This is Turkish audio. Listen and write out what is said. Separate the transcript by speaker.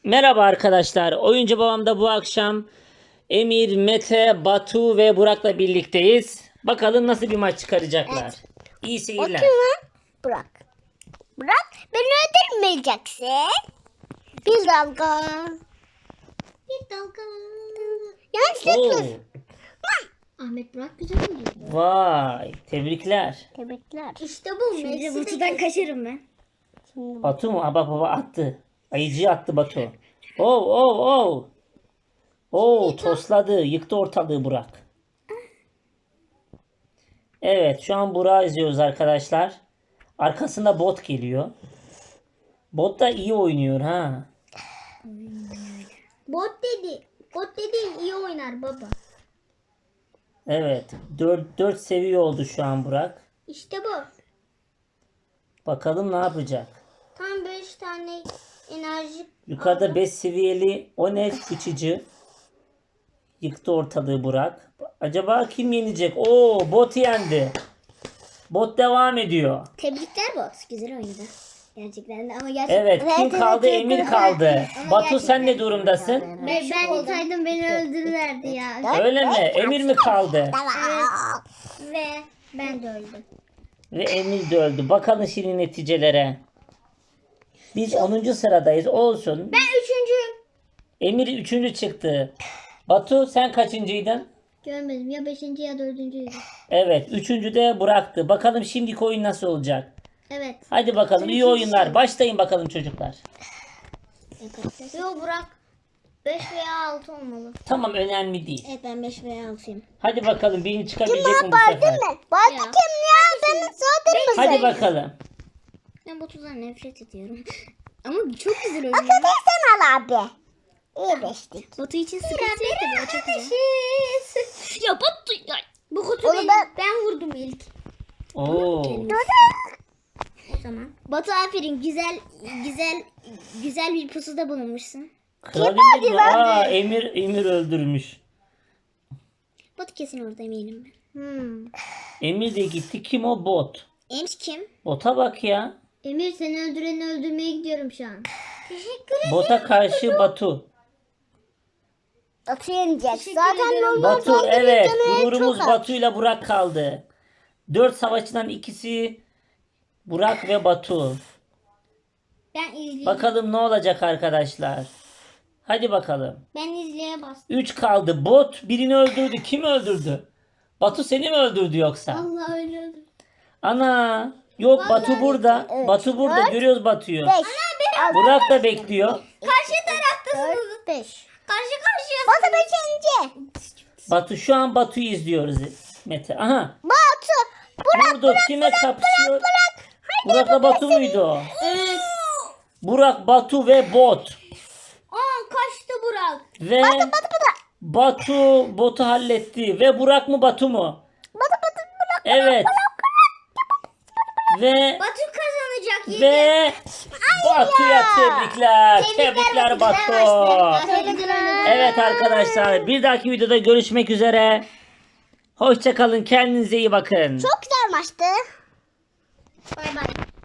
Speaker 1: Merhaba arkadaşlar. Oyuncu Babam'da bu akşam Emir, Mete, Batu ve Burak'la birlikteyiz. Bakalım nasıl bir maç çıkaracaklar.
Speaker 2: Evet.
Speaker 1: İyi
Speaker 2: O
Speaker 1: seyirler.
Speaker 2: kim lan? Burak. Burak beni öldürmeyeceksin. Bir dalga. Bir dalga. Yanlışlıkla.
Speaker 1: Oo,
Speaker 3: Ahmet Burak güzel oynuyor.
Speaker 1: vay, tebrikler.
Speaker 2: Tebrikler.
Speaker 3: İşte bu. Şimdi Batu'dan kaçarım ben.
Speaker 1: Batu mu? Baba attı. Ayıcıyı attı Batu. Oh. Tosladı. Yıktı ortalığı Burak. Evet, şu an Burak'ı izliyoruz arkadaşlar. Arkasında bot geliyor. Bot da iyi oynuyor ha.
Speaker 3: Bot dedi iyi oynar baba.
Speaker 1: Evet. 4 seviye oldu şu an Burak.
Speaker 3: İşte bu.
Speaker 1: Bakalım ne yapacak.
Speaker 3: Tam 5 tane enerji.
Speaker 1: Yukarıda 5 seviyeli o ne uçucu. Yıktı ortalığı Burak. Acaba kim yenecek? Oo, bot yendi. Bot devam ediyor.
Speaker 3: Tebrikler bot. Güzel oynadı. Gerçekten de ama gerçekten.
Speaker 1: Evet, kim
Speaker 2: Evet,
Speaker 1: kaldı?
Speaker 2: evet,
Speaker 1: Emir
Speaker 2: evet.
Speaker 1: kaldı.
Speaker 3: Ama
Speaker 1: Batu sen ne
Speaker 3: gerçekten
Speaker 1: durumdasın?
Speaker 3: Ben olsaydım beni öldürürlerdi ya.
Speaker 1: Öyle mi? Emir mi kaldı?
Speaker 3: Ve ben de öldüm.
Speaker 1: Ve Emir de öldü. Bakalım şimdi neticelere. Biz 10. sıradayız. Olsun.
Speaker 3: Ben 3.
Speaker 1: Emir 3. çıktı. Batu sen kaçıncıydın?
Speaker 3: Görmedim ya 5. ya 4.
Speaker 1: Evet. 3. de Burak'tı. Bakalım şimdiki oyun nasıl olacak?
Speaker 3: Evet.
Speaker 1: Hadi bakalım. İyi oyunlar. Başlayın bakalım çocuklar.
Speaker 3: Yo Burak 5 veya 6 olmalı.
Speaker 1: Tamam, önemli değil.
Speaker 3: Evet ben 5 veya 6'yım.
Speaker 1: Hadi bakalım birini çıkabilecek mi bu
Speaker 2: Bardın
Speaker 1: sefer?
Speaker 2: mı? Bardın
Speaker 3: Ya.
Speaker 2: kim ya? Ben zaten mı
Speaker 1: Hadi bakalım.
Speaker 3: Ben Batu'dan nefret ediyorum. Ama çok güzel oynuyor.
Speaker 2: Sen al abi. İyi beştik.
Speaker 3: Batu için sıkıntı yok tabii. O çok güzel. Ya Batu ya. Bu kutu
Speaker 2: Onu
Speaker 3: benim.
Speaker 2: ben-
Speaker 3: Ben vurdum ilk.
Speaker 1: Oo.
Speaker 3: O zaman. Batu aferin. Güzel bir pusuda bulunmuşsun.
Speaker 1: Kral Emir mi? Aa, Emir öldürmüş.
Speaker 3: Batu kesin orada eminim ben.
Speaker 1: Emir de gitti. Kim o? Bot.
Speaker 3: Emir kim?
Speaker 1: Bota bak ya.
Speaker 3: Emir seni öldüreni öldürmeye gidiyorum şu an. Teşekkür ederim.
Speaker 1: Bota karşı Batu.
Speaker 2: Atı yenecek.
Speaker 3: Teşekkür
Speaker 2: Zaten
Speaker 3: ederim.
Speaker 2: normal
Speaker 1: Batu,
Speaker 2: saldırı
Speaker 1: evet.
Speaker 2: canı
Speaker 1: Gururumuz
Speaker 2: çok az.
Speaker 1: Batu ile Burak kaldı. 4 savaşçıdan ikisi Burak ve Batu.
Speaker 3: Ben izleyeyim.
Speaker 1: Bakalım ne olacak arkadaşlar. Hadi bakalım.
Speaker 3: Ben izleye bastım.
Speaker 1: 3 kaldı. Bot birini öldürdü. Kim öldürdü? Batu seni mi öldürdü yoksa?
Speaker 3: Allah öyle öldür.
Speaker 1: Ana. Yok, Batu burada.
Speaker 2: Evet.
Speaker 1: Batu burada.
Speaker 2: Dört.
Speaker 1: Görüyoruz Batu'yu.
Speaker 2: 5.
Speaker 1: Burak da bekliyor.
Speaker 3: Karşı taraftasınız.
Speaker 2: 4, 5.
Speaker 3: Karşı karşıya.
Speaker 2: Batu 5.
Speaker 1: Batu, şu an Batu'yu izliyoruz Mete. Aha.
Speaker 2: Batu.
Speaker 1: Vurdu. Kime kapışıyor? Burak'la Batu muydu o?
Speaker 3: Evet.
Speaker 1: Burak, Batu ve bot.
Speaker 3: Kaçtı Burak.
Speaker 1: Ve Batu botu halletti. Ve Burak mı Batu mu? Evet. Ve
Speaker 3: Batu kazanacak. Yedi.
Speaker 1: ve Batu'ya tebrikler. Tebrikler Batu. Evet arkadaşlar, bir dahaki videoda görüşmek üzere. Hoşça kalın. Kendinize iyi bakın.
Speaker 2: Çok güzel maçtı.
Speaker 3: Bay bay.